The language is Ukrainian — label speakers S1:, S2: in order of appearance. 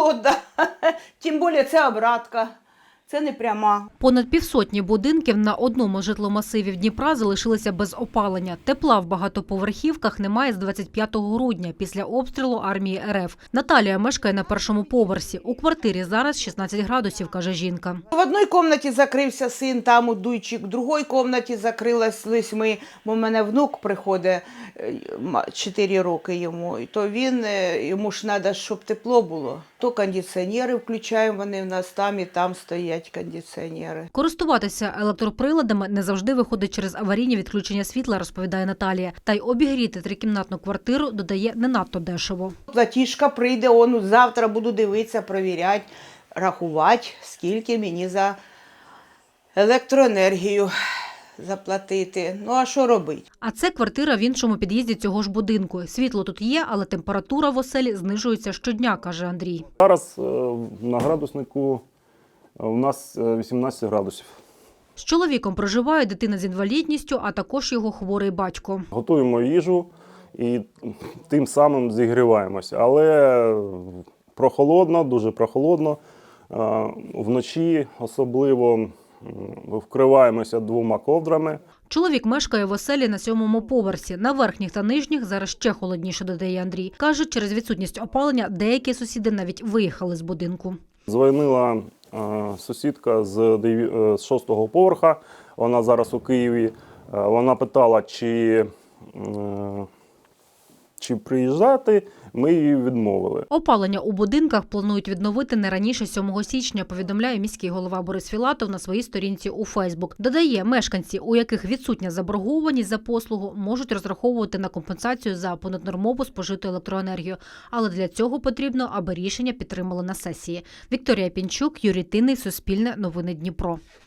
S1: 500, да. Тим більше це обратка, це не пряма.
S2: Понад півсотні будинків на одному житломасиві Дніпра залишилися без опалення. Тепла в багатоповерхівках немає з 25 грудня після обстрілу армії РФ. Наталія мешкає на першому поверсі. У квартирі зараз 16 градусів, каже жінка.
S1: В одній кімнаті закрився син, там у дуйчик, в другій кімнаті закрились ми, бо в мене внук приходить, 4 роки йому, то йому ж треба, щоб тепло було. То кондиціонери включаємо, вони в нас там і там стоять кондиціонери.
S2: Користуватися електроприладами не завжди виходить через аварійні відключення світла, розповідає Наталія. Та й обігріти трикімнатну квартиру, додає, не надто дешево.
S1: Платіжка прийде, завтра буду дивитися, перевіряти, рахувати, скільки мені за електроенергію заплатити. Ну, а що робити?
S2: А це квартира в іншому під'їзді цього ж будинку. Світло тут є, але температура в оселі знижується щодня, каже Андрій.
S3: Зараз на градуснику у нас 18 градусів.
S2: З чоловіком проживає дитина з інвалідністю, а також його хворий батько.
S3: Готуємо їжу і тим самим зігріваємося. Але прохолодно, дуже прохолодно. Вночі особливо вкриваємося 2 ковдрами.
S2: Чоловік мешкає в оселі на 7-му поверсі. На верхніх та нижніх зараз ще холодніше, додає Андрій. Каже, через відсутність опалення деякі сусіди навіть виїхали з будинку.
S3: Дзвонила сусідка з 6-го поверха, вона зараз у Києві. Вона питала, чи приїжджати, ми її відмовили.
S2: Опалення у будинках планують відновити не раніше 7 січня, повідомляє міський голова Борис Філатов на своїй сторінці у Фейсбук. Додає, мешканці, у яких відсутня заборгованість за послугу, можуть розраховувати на компенсацію за понаднормову спожиту електроенергію. Але для цього потрібно, аби рішення підтримали на сесії. Вікторія Пінчук, Юрій Тинний, Суспільне, Новини Дніпро.